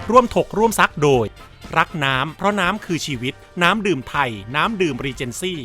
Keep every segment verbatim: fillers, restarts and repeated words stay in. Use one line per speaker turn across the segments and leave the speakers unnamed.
ร่วมถกร่วมซักโดยรักน้ำเพราะน้ำคือชีวิตน้ำดื่มไทยน้ำดื่มรีเจนซี่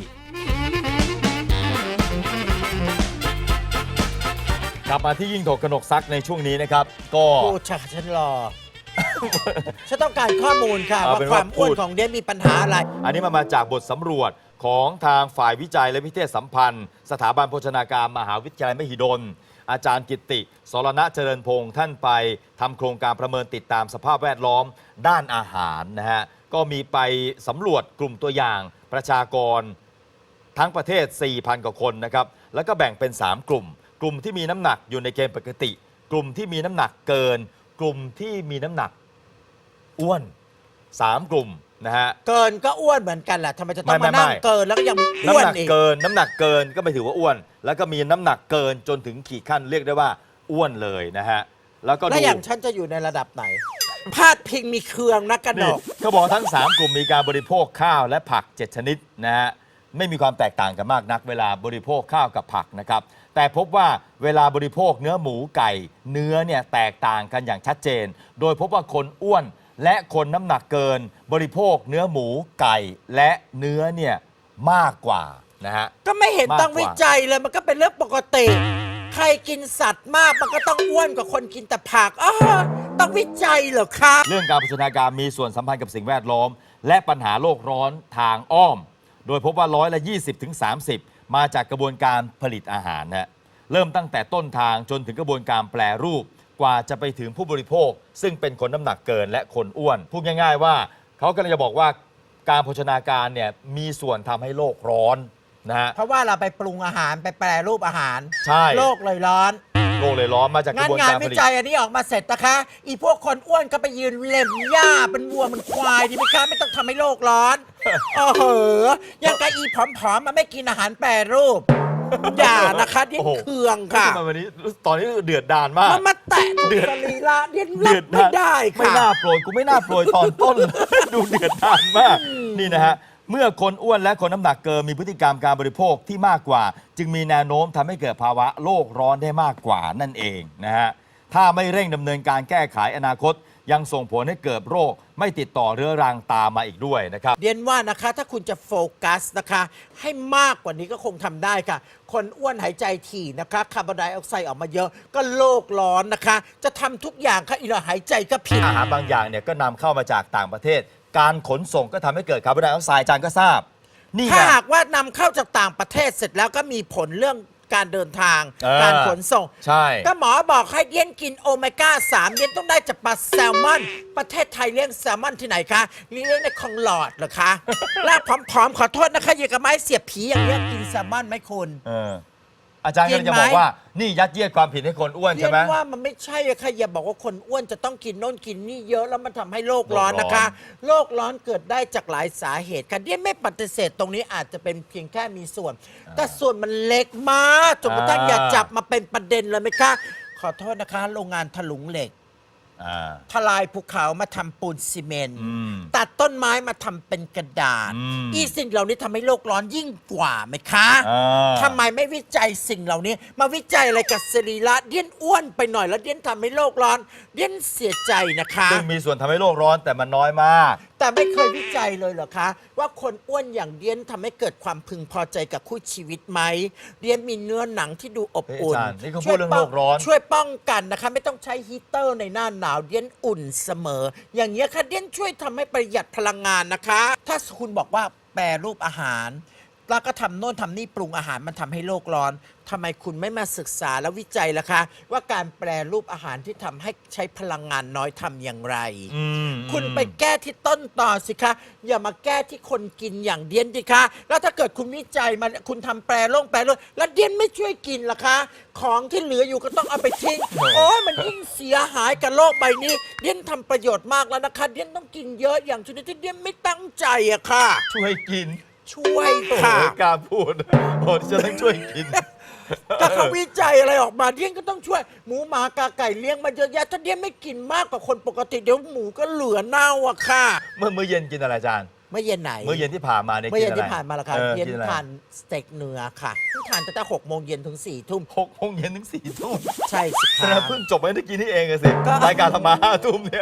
กลับมาที่ยิ่งถกกนกซักในช่วงนี้นะครับก็
พูดชักฉันรอ ฉันต้องการข้อมูลค่ะว่าความอ้วนของเดียนมีปัญหาอะไร
อันนี้มามาจากบทสำรวจของทางฝ่ายวิจัยและวิเทศสัมพันธ์สถาบันโภชนาการมหาวิทยาลัยมหิดลอาจารย์กิตติสรณะเจริญพงศ์ท่านไปทำโครงการประเมินติดตามสภาพแวดล้อมด้านอาหารนะฮะก็มีไปสำรวจกลุ่มตัวอย่างประชากรทั้งประเทศ สี่พัน กว่าคนนะครับแล้วก็แบ่งเป็น สาม กลุ่มกลุ่มที่มีน้ำหนักอยู่ในเกณฑ์ปกติกลุ่มที่มีน้ำหนักเกินกลุ่มที่มีน้ำหนักอ้วนสามกลุ่มนะฮะ
เกินก็อ้วนเหมือนกันแหละทำไมจะต้องมานั่งเกินแล้วก็ยังอ้วนอีก
น้ำหนักเกินน้ำหนักเกินก็ไม่ถือว่าอ้วนแล้วก็มีน้ำหนักเกินจนถึงขีดขั้นเรียกได้ว่าอ้วนเลยนะฮะแล้วก็
แล้วอย่างฉันจะอยู่ในระดับไหนพาดพิงมีเครืองนักกระดก
เขาบอกทั้งสามกลุ่มมีการบริโภคข้าวและผักเจ็ดชนิดนะฮะไม่มีความแตกต่างกันมากนักเวลาบริโภคข้าวกับผักนะครับแต่พบว่าเวลาบริโภคเนื้อหมูไก่เนื้อเนี่ยแตกต่างกันอย่างชัดเจนโดยพบว่าคนอ้วนและคนน้ำหนักเกินบริโภคเนื้อหมูไก่และเนื้อเนี่ยมากกว่านะฮะ
ก็ไม่เห็นต้องวิจัยเลยมันก็เป็นเรื่องปกติใครกินสัตว์มากมันก็ต้องอ้วนกว่าคนกินแต่ผักอ๋อต้องวิจัยเหรอครับ
เรื่องการโภชนาการมีส่วนสัมพันธ์กับสิ่งแวดล้อมและปัญหาโลกร้อนทางอ้อมโดยพบว่าร้อยละ ยี่สิบถึงสามสิบ มาจากกระบวนการผลิตอาหารนะเริ่มตั้งแต่ต้นทางจนถึงกระบวนการแปรรูปกว่าจะไปถึงผู้บริโภคซึ่งเป็นคนน้ำหนักเกินและคนอ้วนพูดง่ายๆว่าเขากำลังจะบอกว่าการโภชนาการเนี่ยมีส่วนทำให้โลกร้อนนะฮะ
เพราะว่าเราไปปรุงอาหารไปแปรรูปอาหาร
ใช่
โลกเลยร้อน
โลกเลยร้อนมาจากกระบวนการผลิตงาน
วิจัยอันนี้ออกมาเสร็จนะคะอีพวกคนอ้วนก็ไปยืนเล็มหญ้าเป็นวัวมันควายดีไหมคะไม่ต้องทำให้โลกร้อนโอ้โหยังกะอีผอมๆมันไม่กินอาหารแปรรูปอย่านะคะเดียนเคืองค่ะ
วันนี้ตอนนี้เดือดดานมาก
มันมาแตะเดือดลีลาเดียนรับไม่ได้ค่ะ
ไม่น่าโปรยกูไม่น่าโปรยตอนต้นดูเดือดดานมากนี่นะฮะเมื่อคนอ้วนและคนน้ำหนักเกินมีพฤติกรรมการบริโภคที่มากกว่าจึงมีแนวโน้มทำให้เกิดภาวะโลกร้อนได้มากกว่านั่นเองนะฮะถ้าไม่เร่งดำเนินการแก้ไขอนาคตยังส่งผลให้เกิดโรคไม่ติดต่อเรื้อรังตามมาอีกด้วยนะครับ
เรียนว่านะคะถ้าคุณจะโฟกัสนะคะให้มากกว่านี้ก็คงทำได้ค่ะคนอ้วนหายใจถี่นะคะคาร์บอนไดออกไซด์ออกมาเยอะก็โลกร้อนนะคะจะทำทุกอย่างค่ะอีเราหายใจก็ผิด
อาหารบางอย่างเนี่ยก็นำเข้ามาจากต่างประเทศการขนส่งก็ทำให้เกิดคาร์บอนไดออกไซด์อาจารย์ก็ทราบ
นี่ถ้าหากว่านำเข้าจากต่างประเทศเสร็จแล้วก็มีผลเรื่องการเดินทางการขนส่ง
ใช่
ก็หมอบอกให้เลี้ยงกินโอเมก้าสามเลี้ยงต้องได้จากปลาแซลมอนประเทศไทยเลี้ยงแซลมอนที่ไหนคะเลี้ยงในคลองหลอดเหรอคะแล้วผอมๆขอโทษนะคะอย่างกับไม้เสียบผีอย่างนี้กินแซลมอนไหมคุณ
อาจารย์กำลังจะบอกว่านี่ยัดเยียดความผิดให้คนอ้วนใช่ไหม
เรียกว่ามันไม่ใช่อะค่ะอย่าบอกว่าคนอ้วนจะต้องกินโน่นกินนี่เยอะแล้วมันทำให้โลกร้อนนะคะโลกร้อนเกิดได้จากหลายสาเหตุค่ะเดียนไม่ปฏิเสธตรงนี้อาจจะเป็นเพียงแค่มีส่วนแต่ส่วนมันเล็กมากจนกระทั่งอย่าจับมาเป็นประเด็นเลยไหมคะขอโทษนะคะโรงงานถลุงเหล็กทลายภูเขามาทำปูนซีเมนต์ตัดต้นไม้มาทำเป็นกระดาษอีสิ่งเหล่านี้ทำให้โลกร้อนยิ่งกว่าไหมคะทำไมไม่วิจัยสิ่งเหล่านี้มาวิจัยอะไรกับสรีระเดียนอ้วนไปหน่อยแล้วเดียนทำให้โลกร้อนเดียนเสียใจนะคะ
ซึ่งมีส่วนทำให้โลกร้อนแต่มันน้อยมาก
แต่ไม่เคยวิจัยเลยเหรอคะว่าคนอ้วนอย่างเดียนทำให้เกิดความพึงพอใจกับคู่ชีวิตไหมเดียนมีเนื้อหนังที่ดูอบอุ่น
นี่เขาพูดเรื่องโลกร้อน
ช่วยป้องกันนะคะไม่ต้องใช้ฮีเตอร์ในหน้าหนาวเดียนอุ่นเสมออย่างเงี้ยค่ะเดียนช่วยทำให้ประหยัดพลังงานนะคะถ้าคุณบอกว่าแปรรูปอาหารแล้วก็ทำโน่นทำนี่ปรุงอาหารมันทำให้โลกร้อนทำไมคุณไม่มาศึกษาและวิจัยล่ะคะว่าการแปรรูปอาหารที่ทำให้ใช้พลังงานน้อยทำอย่างไรคุณไปแก้ที่ต้นต่อสิคะอย่ามาแก้ที่คนกินอย่างเดียนสิคะแล้วถ้าเกิดคุณวิจัยมาคุณทำแปรโล่งแปรโล่งแล้วเดียนไม่ช่วยกินล่ะคะของที่เหลืออยู่ก็ต้องเอาไปทิ้งโอ้ยมันยิ่งเสียหายกับโลกใบนี้เดียนทำประโยชน์มากแล้วนะคะเดียนต้องกินเยอะอย่างชนิดที่เดียนไม่ตั้งใจอะค่ะ
ช่วยกิน
ช่วยค่ะ
การพูดโอ้จะต้องช่วยกิน
ถ้าเขาวิจัยอะไรออกมาเดียนก็ต้องช่วยหมูหมากาไก่เลี้ยงมาเยอะแยะถ้าเดียนไม่กินมากกว่าคนปกติเดี๋ยวหมูก็เหลือเน่าอะค่ะ
เมื่อมื้อเย็นกินอะไรอาจารย์
เมื่อเย็นไหน
เมื่อเย็นที่ผ่านมาเนี่ย
เมื่อเย็นที่ผ่านมาละค่ะเย็นทานสเต็กเนื้อค่ะทานตั้งแต่หกโมงเย็นถึงสี่ทุ่ม
หกโมงเย็นถึงสี่ทุ่ม
ใช่สิ
ค่ะเพิ่งจบไม่ได้กินนี่เองสิรายการธรรมะห้าทุ่มเนี่ย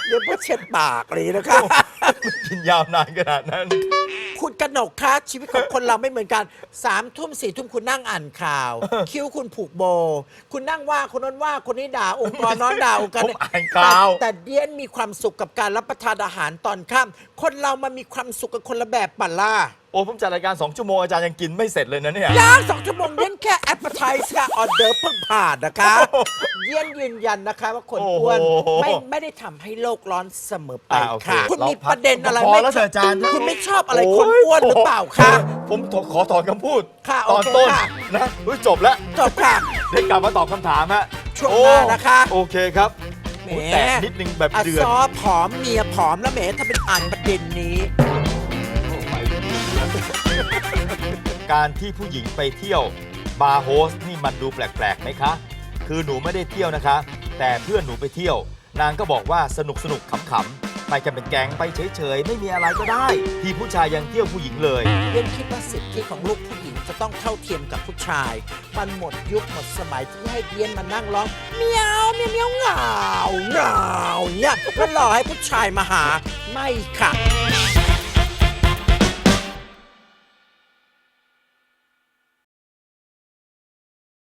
เดี๋ยวเพื่อเช็ดปากเลยนะคะ
กินยาวนานขนาดนั้น
คุณกนกคะชีวิตของคนเราไม่เหมือนกันสามทุ่มสี่ทุ่มคุณนั่งอ่านข่าว คิ้วคุณผูกโบ คุณนั่งว่าคนนั้นว่าคนนี้ด่าองค์กรน้อนด่าองค์กร
ผมอ่านข่าว
แต่แต่เดียนมีความสุขกับการรับประทานอาหารตอนค่ำคนเรามันมีความสุขกับคนละแบบปัลล่า
โอ้ผมจัดรายการสองชั่วโมงอาจารย์ยังกินไม่เสร็จเลยนะเนี่ย
ย่างสองชั่วโมงเย็นแค่แอปเปอร์ไทส์ค่ะออเดอร์เพิ่งผ่านนะคะ เย็นยืนยันนะคะว่าคนอ้วน
โอ้โห
ไม่ไม่ได้ทำให้โลกร้อนเสมอไป
อ่าโอเค
ค่ะ คุณ
เรา
มีประเด็นอะไร
พอ
ไม่
แล้วเถอะอาจารย์
คุณไม่ชอบอะไรคนอ้วนหรือเปล่าคะ
ผมขอถอนคำพูด
ค่ะ
ตอน
โอเค
ต้น
ค่ะ
นะอุ๊ยจบแล้ว
จบค่ะ
ได้กลับมาตอบคำถามฮะ
ช่วงหน้านะคะ
โอเคครับ
แหม
โอ้ยแต่นิดนึงแบบ
อะ
เดือด
ซอผอมเมียผอมแล้วแหมถ้าเป็นอ่านประเด็นนี้
การที่ผู้หญิงไปเที่ยวบาร์โฮสนี่มันดูแปลกๆไหมคะ คือหนูไม่ได้เที่ยวนะคะ แต่เพื่อนหนูไปเที่ยว นางก็บอกว่าสนุกสนุกขำๆไปกันเป็นแก๊งไปเฉยๆ ไม่มีอะไรก็ได้ ที่ผู้ชายยังเที่ยวผู้หญิงเลย
เรียนคิดว่าสิทธิของลูกผู้หญิงจะต้องเท่าเทียมกับผู้ชาย มันหมดยุคหมดสมัยที่ให้เดียนมานั่งร้องเมียวเมียวเมียวเหงาเหงาเนี่ยแล้วรอให้ผู้ชายมาหาไม่ค่ะ